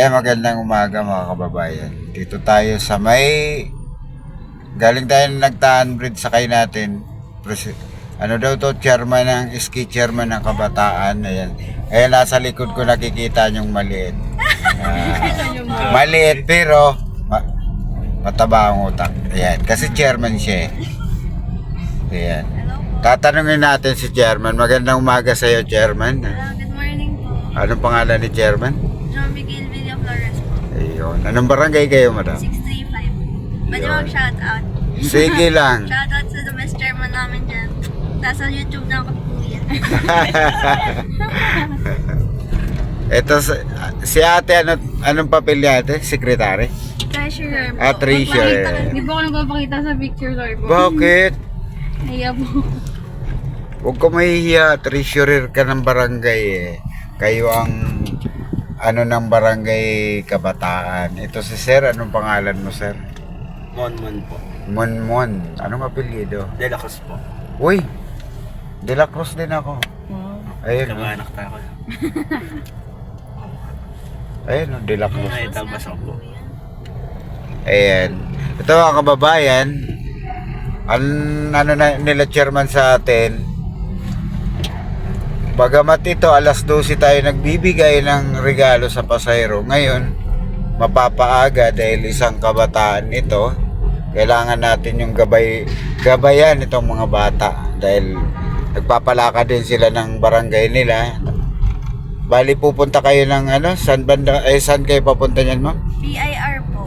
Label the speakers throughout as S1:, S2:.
S1: Magandang umaga mga kababayan. Dito tayo sa may galing tayo ng Nagtaan Bridge, sakay natin. Ano daw to, chairman ng ski chairman ng kabataan. Ayan. Nasa likod ko nakikita yung maliit. Maliit pero mataba ang utak. Ayan. Kasi chairman siya. Ayan. Tatanungin natin si chairman. Magandang umaga sa iyo, chairman.
S2: Good morning po.
S1: Anong pangalan ni chairman?
S2: John Miguel Villa Flores po.
S1: Ayun. Anong barangay kayo, madam?
S2: 635. Pwede
S1: Yun.
S2: mag-shoutout.
S1: Sige lang.
S2: Shoutout sa the best chairman namin dyan. Nasa YouTube na ako kuya.
S1: Ito si ate, anong papel niya ate? Secretary?
S2: Treasurer po.
S1: Treasurer.
S3: Hindi po ako nagpapakita sa picture, Lord.
S1: Bakit?
S3: Kaya po.
S1: Huwag ka mahihiya. Treasurer ka ng barangay eh. Kayo ang ng barangay kabataan. Ito si sir, anong pangalan mo sir?
S4: Monmon po.
S1: Monmon. Anong apelyido?
S4: De La Cruz po.
S1: Uy! De La Cruz din ako. Ayun.
S4: Kamaanak tayo ko.
S1: Ayun, De La Cruz.
S4: Ay, tabas ako po.
S1: Ayan. Ito mga kababayan, nila chairman sa atin. Bagamat ito, alas 12 tayo nagbibigay ng regalo sa pasahero. Ngayon, mapapaaga dahil isang kabataan ito. Kailangan natin yung gabayan itong mga bata. Dahil nagpapalaka din sila ng barangay nila. Bali, pupunta kayo ng saan kayo papunta niyan, ma'am?
S2: BIR po.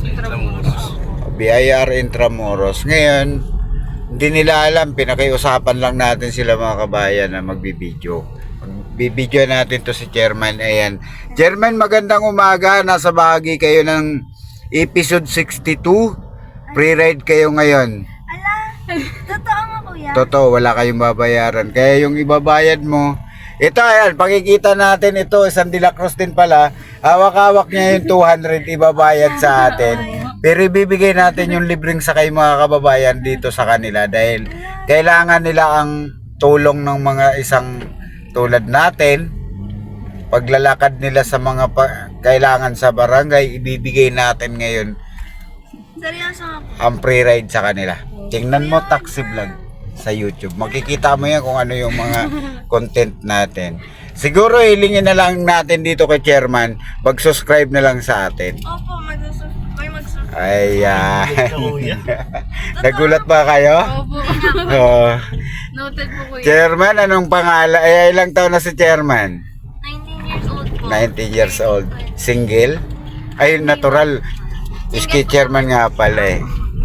S1: BIR Intramuros. Ngayon, hindi nila alam, pinakiusapan lang natin sila mga kabayan na magbibideo. Magbibideo natin to si Chairman. Ayan. Chairman, magandang umaga. Nasa bahagi kayo ng episode 62. Pre-ride kayo ngayon.
S2: Ala, totoo nga kuya.
S1: Totoo, wala kayong babayaran. Kaya yung ibabayad mo, ito ayan, pakikita natin ito, isang De La Cruz din pala. Hawak-hawak niya yung 200 ibabayad sa atin. Pero ibibigay natin yung libreng sakay mga kababayan dito sa kanila dahil kailangan nila ang tulong ng mga isang tulad natin. Paglalakad nila sa mga kailangan sa barangay, ibibigay natin ngayon
S2: Seryoso nga po.
S1: ang pre-ride sa kanila. Tingnan mo taxi vlog sa YouTube. Makikita mo yan kung ano yung mga content natin. Siguro hilingin na lang natin dito kay Chairman, mag-subscribe na lang sa atin.
S2: Opo, mag-subscribe.
S1: Ayan.
S4: Kuya.
S1: Nagulat ba kayo?
S3: Opo.
S1: Oo.
S3: Noted po, kuya.
S1: Chairman, anong pangalan? Ilang taon na si Chairman?
S2: 19 years old po.
S1: 19 years old. Single? Ay, natural. Ski chairman nga pala eh.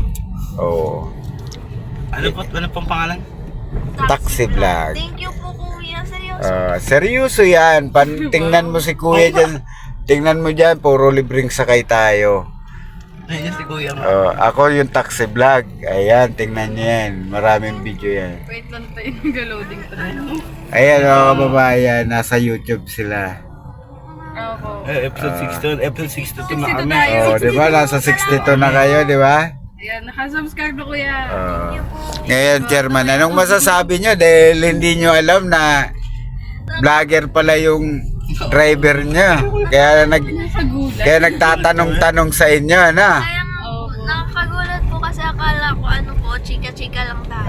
S1: Oo.
S4: Ano pong pangalan?
S1: Taxi vlog.
S2: Thank you po kuya. Seryoso.
S1: Seryoso yan. Tingnan mo si kuya dyan. Tingnan mo dyan, puro libreng sakay tayo.
S4: Ayun si Kuya.
S1: Ako yung taxi vlog. Ayan, tingnan nyo yan. Maraming video yan.
S3: Wait lang tayo, nag-loading tayo.
S1: Ayan mga kababayan, nasa YouTube sila.
S3: Opo.
S4: Episode 62 na
S3: 62
S4: kami.
S3: tayo.
S1: Di ba? Nasa 62 na kayo, di ba?
S3: Ayan, nakasubscribe na kuya.
S1: Ngayon, Chairman, anong masasabi nyo? Dahil hindi nyo alam na vlogger pala yung driver nyo. Kaya
S3: Nasa gulat.
S1: kaya nagtatanong-tanong sa inyo, ano?
S2: Kaya nga po, nakakagulat po kasi akala ko chika-chika lang tayo.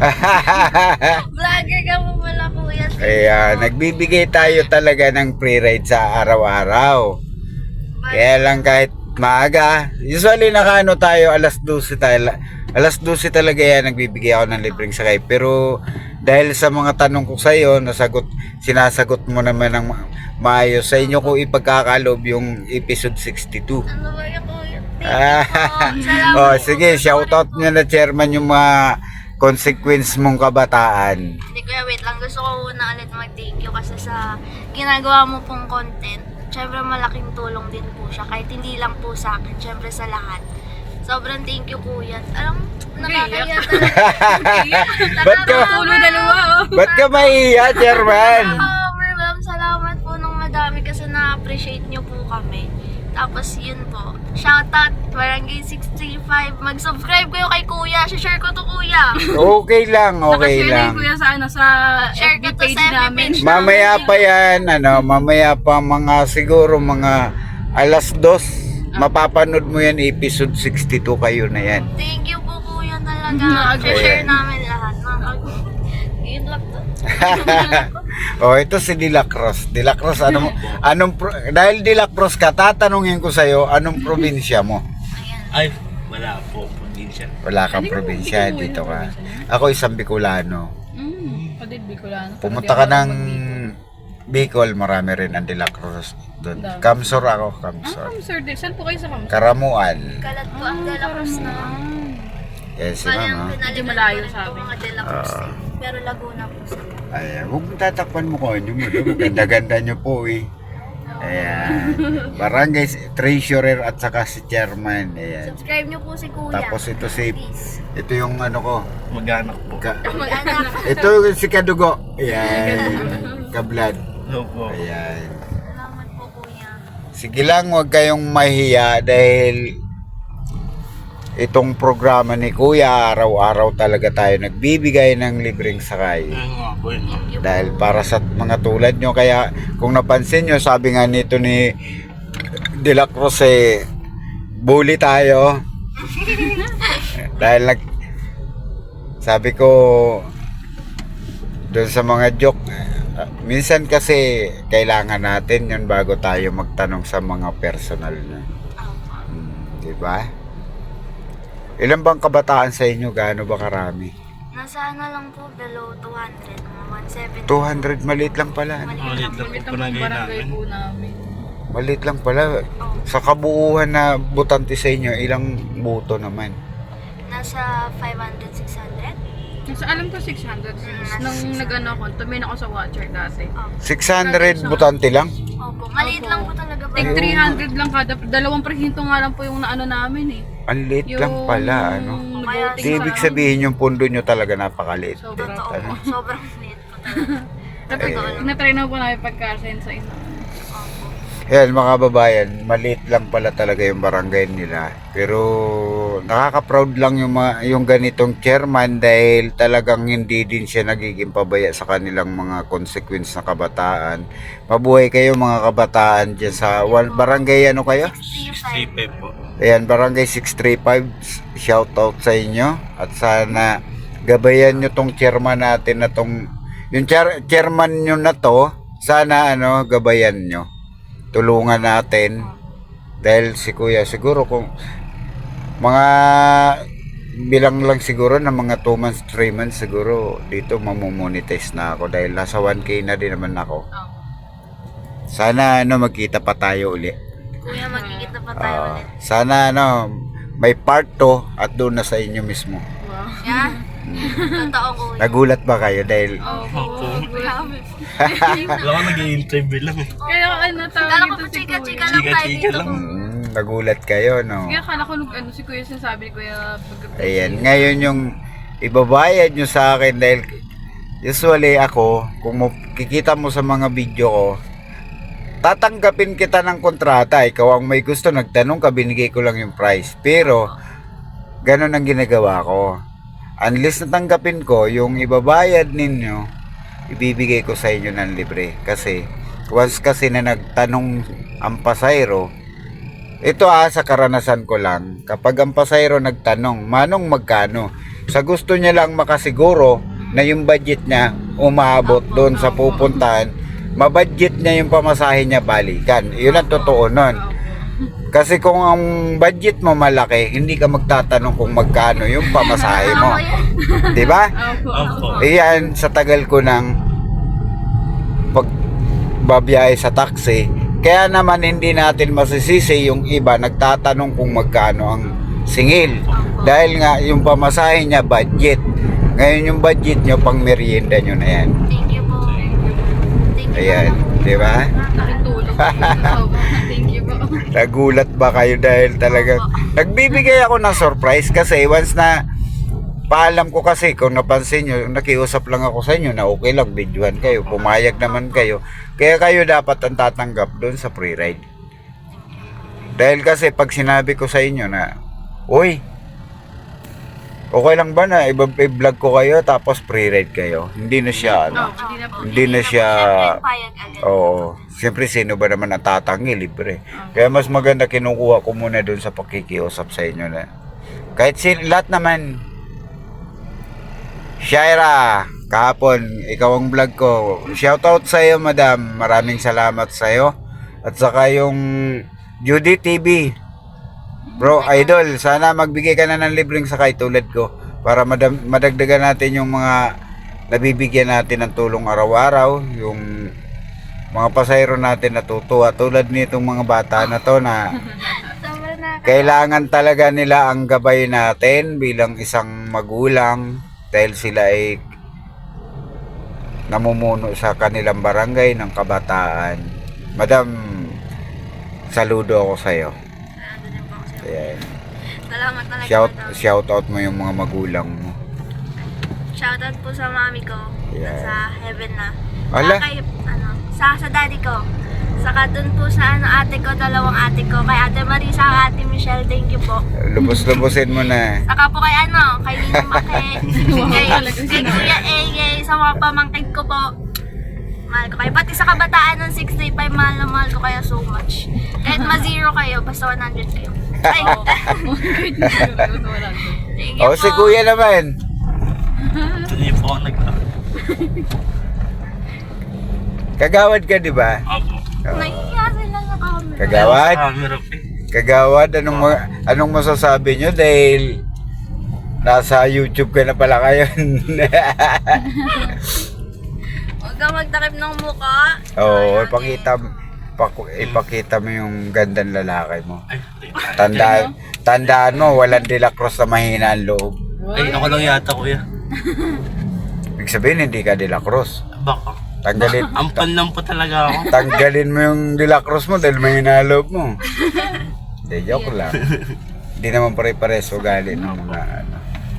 S2: Vlogger ka po pala kuya.
S1: Kaya nagbibigay tayo talaga ng pre-ride sa araw-araw. Kaya lang kahit maaga, usually nakaano tayo, alas 12 tayo. Alas 12 talaga yan, nagbibigay ako ng libreng sakay. Pero dahil sa mga tanong ko sa iyo, sinasagot mo naman ng maayos sa inyo ko ipagkakaloob yung episode 62.
S2: Ano ba yung kuya? Salamat
S1: Oh,
S2: po.
S1: sige, shoutout nyo na Chairman yung mga consequence mong kabataan.
S2: Hindi kuya, wait lang. Gusto ko una ulit mag-thank you kasi sa ginagawa mo pong content. Siyempre malaking tulong din po siya. Kahit hindi lang po sa akin, siyempre sa lahat. Sobrang thank you kuya. Alam mo, nakakaya talaga.
S1: Ba't ka,
S3: Tulo dalawa, oh.
S1: ba't ka maiiyak, Chairman?
S2: Ma'am, salamat po ng madami kasi na-appreciate nyo po kami. Tapos yun po, shoutout Barangay 635. Mag-subscribe kayo kay Kuya. Share ko to Kuya.
S1: Okay lang, okay
S3: Nakashare na
S1: lang.
S3: yung kuya sa sa
S2: Share
S3: FB
S2: ko to
S3: page
S2: sa FB
S3: namin.
S2: page.
S1: Mamaya pa yan, mamaya pa siguro mga alas 2, mapapanood mo yan, episode 62 kayo na yan.
S2: Thank you po kuya talaga. Share
S1: Ayan.
S2: namin lahat. Yun lang to.
S1: Oh, ito si Dilacross. Dilacross, dahil Dilacross ka, tatanungin ko sa'yo, anong probinsya mo?
S4: Ay, wala po. Probinsya.
S1: Wala kang
S3: Ano yung
S1: probinsya,
S3: Bicol,
S1: dito ka.
S3: probinsya
S1: Ako isang Bicolano.
S3: Padid, Bicolano.
S1: Pumunta ka ng Bicol, marami rin ang Dilacross doon.
S3: Dami.
S1: Kamsor ako,
S3: Ah,
S1: Kamsor.
S3: Kamsor din. Saan po kayo sa Kamsor?
S1: Karamuan.
S2: Kalat po ang De La Cruz na.
S1: Yes,
S2: Bali ang
S1: ma'am.
S2: pinalitan
S3: malayo
S2: ko rin
S3: sa
S2: po
S3: amin.
S2: mga De La Cruz. Pero Laguna po sila.
S1: Ayan, huwag mo tatakpan mo kung ano mo. Ganda-ganda nyo po eh. Ayan. Barangay treasurer at saka si chairman. Ayan.
S2: Subscribe niyo po si kuya.
S1: Tapos ito si,
S2: Please.
S1: ito yung ano ko.
S4: Mag-anak po.
S2: Mag-anak.
S1: Ito yung si Kadugo. Ayan. Kablad.
S4: Opo.
S1: Ayan.
S2: Salamat po kuya.
S1: Sige lang, huwag kayong mahiya dahil itong programa ni Kuya, araw-araw talaga tayo nagbibigay ng libreng sakay.
S4: Ayun nga po yun.
S1: Dahil para sa mga tulad nyo, kaya kung napansin nyo, sabi nga nito ni De La Cruz bully tayo. Dahil sabi ko, doon sa mga joke, minsan kasi kailangan natin yun bago tayo magtanong sa mga personal na. Diba? Ilan bang kabataan sa inyo? Gaano ba karami?
S2: Nasa ano lang po, below 200. Mga 170.
S1: 200, maliit lang pala.
S4: Maliit lang po
S3: Ito
S4: palagay
S3: ang barangay
S4: namin.
S3: po namin.
S1: Maliit lang pala. Sa kabuuhan na butante sa inyo, ilang buto naman?
S2: Nasa 500, 600.
S3: Nasa alam ko 600. Nung nag-ano ako, tumingin ako sa watcher dati.
S1: 600 butante lang?
S2: Opo, maliit lang po talaga.
S3: Tig 300 lang kada. Dalawang presinto nga lang po yung naano namin eh.
S1: Ang liit lang pala, ano?
S2: Kaya
S1: Di ibig sabihin yung pundo nyo talaga napakaliit.
S3: Sobra.
S2: Totoo
S1: Ano?
S2: po. Sobrang liit po talaga. Totoo lang.
S3: Na-try na po namin pagka-send sa isa.
S2: Opo.
S1: Yan mga babayan, maliit lang pala talaga yung barangay nila. Pero nakaka-proud lang yung ganitong chairman dahil talagang hindi din siya nagiging pabaya sa kanilang mga consequence na kabataan. Mabuhay kayo mga kabataan dyan sa barangay ano kayo?
S4: 65 po.
S1: Ayan, barangay 635, shout out sa inyo at sana gabayan nyo tong chairman natin na tong yung chairman nyo na to, sana gabayan nyo, tulungan natin dahil si kuya siguro kung mga bilang lang siguro na mga 2 months 3 months siguro dito mamomonetize na ako dahil nasa 1k na din naman ako. Sana magkita pa tayo uli.
S2: Kuya, magkikita pa tayo ulit.
S1: Sana may part 2 at doon na sa inyo mismo.
S3: Wow.
S2: Yeah? Totoo kuya.
S1: Nagulat ba kayo dahil
S4: Opo.
S2: Grabe po.
S4: Wala ko nag-i-interview lang eh.
S3: Kaya tawag
S2: Kala ko
S3: ito
S2: po
S3: si
S2: chika-chika
S3: Kuya.
S2: lang tayo
S4: Chika-chika
S2: dito.
S4: lang.
S1: nagulat kayo, no?
S3: Kaya kala ko si Kuya sinasabi ni Kuya
S1: Ayan, ngayon yung ibabayad nyo sa akin dahil usually ako, kung kikita mo sa mga video ko, tatanggapin kita ng kontrata. Ikaw ang may gusto, nagtanong ka, binigay ko lang yung price. Pero, ganun ang ginagawa ko. Unless natanggapin ko, yung ibabayad ninyo, ibibigay ko sa inyo ng libre. Kasi, once kasi na nagtanong ang pasayro, ito sa karanasan ko lang, kapag ang pasayro nagtanong, manong magkano? Sa gusto niya lang makasiguro na yung budget niya umaabot doon sa pupuntahan, mabudget niya yung pamasahe niya balikan. Yun ang totoo nun. Kasi kung ang budget mo malaki, hindi ka magtatanong kung magkano yung pamasahe mo. Diba?
S4: Opo.
S1: Iyan, sa tagal ko ng pagbabiyahe sa taxi, kaya naman hindi natin masisisi yung iba nagtatanong kung magkano ang singil. Dahil nga yung pamasahe niya budget. Ngayon yung budget nyo pang merienda nyo na yan.
S2: Thank you po. Thank you
S1: Ayan,
S2: po.
S1: di ba?
S3: Nakitulog. Thank you po.
S1: Nagulat ba kayo dahil talaga nagbibigay ako ng surprise kasi once na paalam ko kasi kung napansin nyo, nakiusap lang ako sa inyo na okay lang, videohan kayo, pumayag naman kayo. Kaya kayo dapat ang tatanggap doon sa free ride. Dahil kasi pag sinabi ko sa inyo na, uy, Okay lang ba na i-vlog ko kayo tapos pre-ride kayo? Hindi na siya ano.
S3: Hindi na po.
S1: Hindi na siya.
S2: Siyempre, payag agad.
S1: Oo. Siyempre, sino ba naman ang tatangi? Libre. Kaya mas maganda kinukuha ko muna doon sa pakikiusap sa inyo na. Kahit lahat naman. Shaira, kahapon, ikaw ang vlog ko. Shoutout sa iyo, madam. Maraming salamat sa iyo. At saka yung Judy TV. Bro, idol, sana magbigay ka na ng libreng sakay tulad ko para madagdagan natin yung mga nabibigyan natin ng tulong araw-araw, yung mga pasahero natin natutuwa tulad nitong mga bata na to na
S2: Sobrang nakaka-
S1: kailangan talaga nila ang gabay natin bilang isang magulang dahil sila ay namumuno sa kanilang barangay ng kabataan. Madam, saludo ako sa iyo.
S2: Ano din po ako sa'yo.
S1: Ayan.
S2: Salamat talaga.
S1: Shout out mo yung mga magulang mo.
S2: Shoutout po sa mami ko.
S1: Yeah.
S2: Sa heaven na.
S1: Ala?
S2: Kay, sa daddy ko. Saka dun po sa ate ko, dalawang ate ko. Kay Ate Marisa, Ate Michelle, thank you po.
S1: Lubos-lubosin mo na.
S2: Saka po kay kay Nino Make, kay Kuya Ege, sa mga pamangkin ko po. Mahal ko kayo. Pati sa kabataan ng 635, mahal na mahal ko kayo so much. Kahit ma-zero kayo, basta 100 kayo. Ay, thank you
S1: O, si
S2: po.
S1: kuya naman.
S4: Hindi po ako
S1: Kagawad ka, di ba?
S4: Opo.
S2: Nahihiya sila sa camera.
S1: Kagawad?
S4: Camera po eh.
S1: Kagawad, anong masasabi nyo dahil nasa YouTube ka na pala kayo?
S2: Huwag kang magtakip ng mukha.
S1: Oo, ipakita mo yung gandang lalaki mo.
S4: Ay,
S1: Tandaan mo, walang Delacrosse na mahina ang loob.
S4: ay, ako lang yata kuya.
S1: Ibig sabihin, hindi ka Delacrosse.
S4: Baka.
S1: Tanggalin
S4: lang po talaga ako.
S1: Tanggalin mo yung Delacrosse mo dahil mahina ang loob mo. Hindi, joke lang. Hindi naman pare-pares ugali ng mga ano.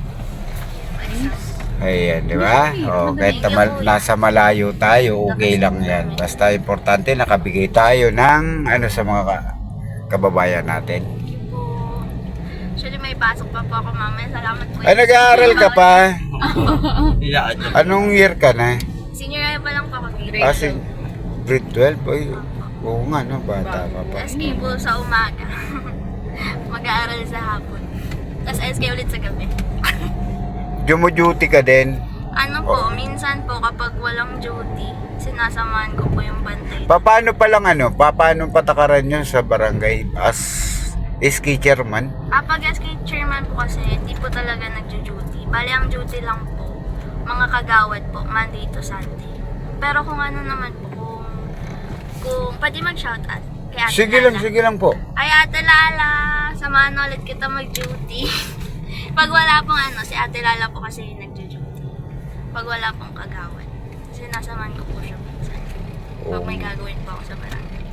S1: Ayan, di ba? O, kahit nasa malayo tayo, okay lang yan. Basta importante, nakabigay tayo ng ano sa mga kababayan natin.
S2: Actually, may pasok pa po ako mamaya. Salamat po.
S1: Ay, nag-aaral ka pa?
S4: Iyaan na.
S1: Anong year ka na?
S2: Senior year pa lang po ako.
S1: Kasi grade 12? Ay, oo nga, no? Bata ka pa.
S2: SK po sa umaga. Mag-aaral sa hapon. Tapos SK ulit sa gabi.
S1: Duty ka din.
S2: Ano po, minsan po kapag walang duty, sinasamahan ko po yung bantay.
S1: Paano paano patakaran nyo sa barangay as SK chairman?
S2: Kapag SK chairman po kasi, hindi po talaga nagjo-duty. Bali, ang duty lang po, mga kagawad po, Monday to Sunday. Pero kung ano naman po, kung pwede mag-shoutout kay Ate
S1: Sige lang po.
S2: Ay, Ate Lala, samahan ulit kita mag-duty. Pag wala pong si Ate Lala po kasi yung nagjo-duty. Pag wala pong kagawad, sinasamahan ko po siya minsan. Pag may gagawin po ako sa barangay.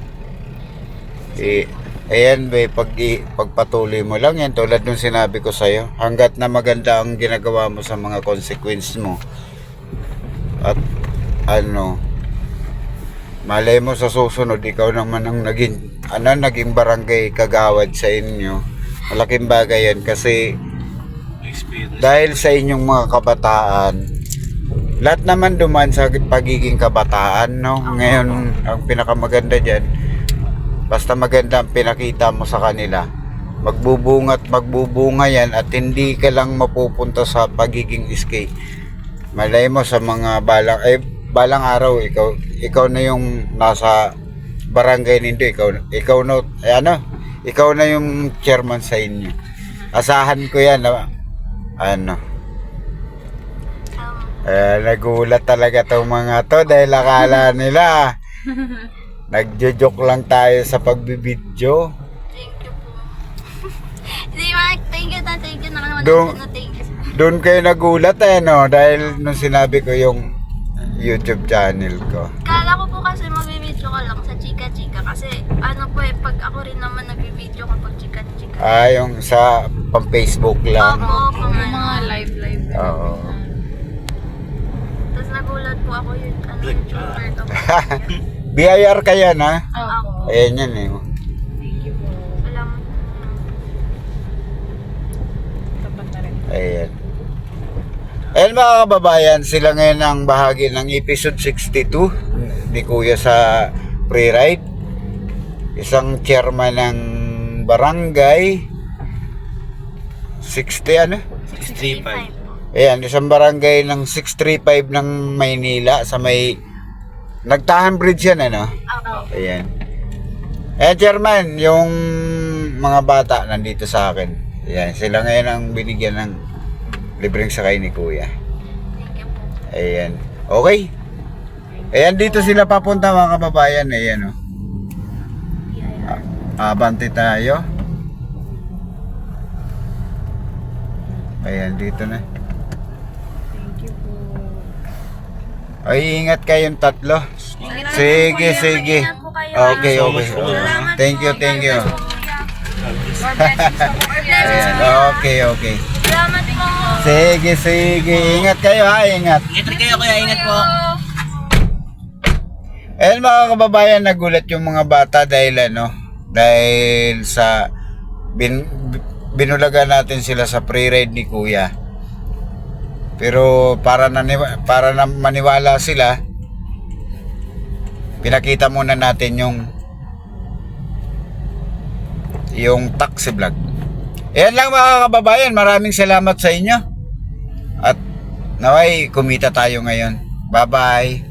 S1: Ayan, pagpatuloy mo lang yan tulad nung sinabi ko sa'yo. Hanggat na maganda ang ginagawa mo sa mga consequence mo. At malay mo sa susunod, ikaw naman ang naging barangay kagawad sa inyo. Malaking bagay yan kasi
S4: Experience.
S1: dahil sa inyong mga kabataan, lahat naman duman sa pagiging kabataan, no? Ngayon, ang pinakamaganda dyan, basta maganda ang pinakita mo sa kanila, magbubunga yan at hindi ka lang mapupunta sa pagiging SK. Malay mo sa mga balang araw, ikaw na yung nasa barangay nindo, ikaw na yung chairman sa inyo. Asahan ko yan na nagulat talaga tong mga to dahil akala nila nagjo-joke lang tayo sa pagbibidyo.
S2: Thank you po. Thank you na thank you na thank you.
S1: Doon kayo nagulat no dahil nung sinabi ko yung YouTube channel ko.
S2: Kala ko po kasi magbibideo ka lang sa chika-chika kasi pag ako rin naman nagbibideo kapag chika-chika.
S1: Yung sa pang-Facebook lang.
S2: Opo,
S3: Yung mga live.
S1: Oo.
S2: Tapos nagulat po ako yun. YouTuber ka po.
S1: BIR ka yan ha?
S3: Opo.
S1: Ayan yan eh.
S3: Thank you po.
S2: Alam mo.
S3: Tapat na rin.
S1: Ayan. Ayan mga kababayan, sila ngayon ang bahagi ng episode 62 ni Kuya sa pre-ride. Isang chairman ng barangay 60 ano?
S4: 635.
S1: Ayan, isang barangay ng 635 ng Maynila sa may Nagtahan Bridge yan ano?
S2: Opo.
S1: Ayan. Ayan chairman, yung mga bata nandito sa akin. Ayan, sila ngayon ang binigyan ng libreng sakay ni Kuya.
S2: Thank you po.
S1: Ayan. Okay. Ayan, dito sila papunta mga kababayan. Ayan o. Abante tayo. Ayan, dito na.
S3: Thank you po.
S1: Ay, ingat kayong tatlo. Sige, sige.
S2: Ingat po kayo.
S1: Okay, okay.
S2: Salamat
S1: Thank you,
S2: po.
S1: thank you.
S3: More blessings po po kuya.
S1: Ayan, okay, okay.
S2: Salamat po.
S1: Sige, sige. Ingat kayo ha, ingat.
S4: Ingat kayo kuya, ingat po.
S1: Ayan mga kababayan, nagulat yung mga bata dahil dahil sa binulagan natin sila sa pre-ride ni Kuya. Pero para na maniwala sila, pinakita muna natin yung taxi vlog. Ayan lang mga kababayan, maraming salamat sa inyo. At naway kumita tayo ngayon. Bye-bye.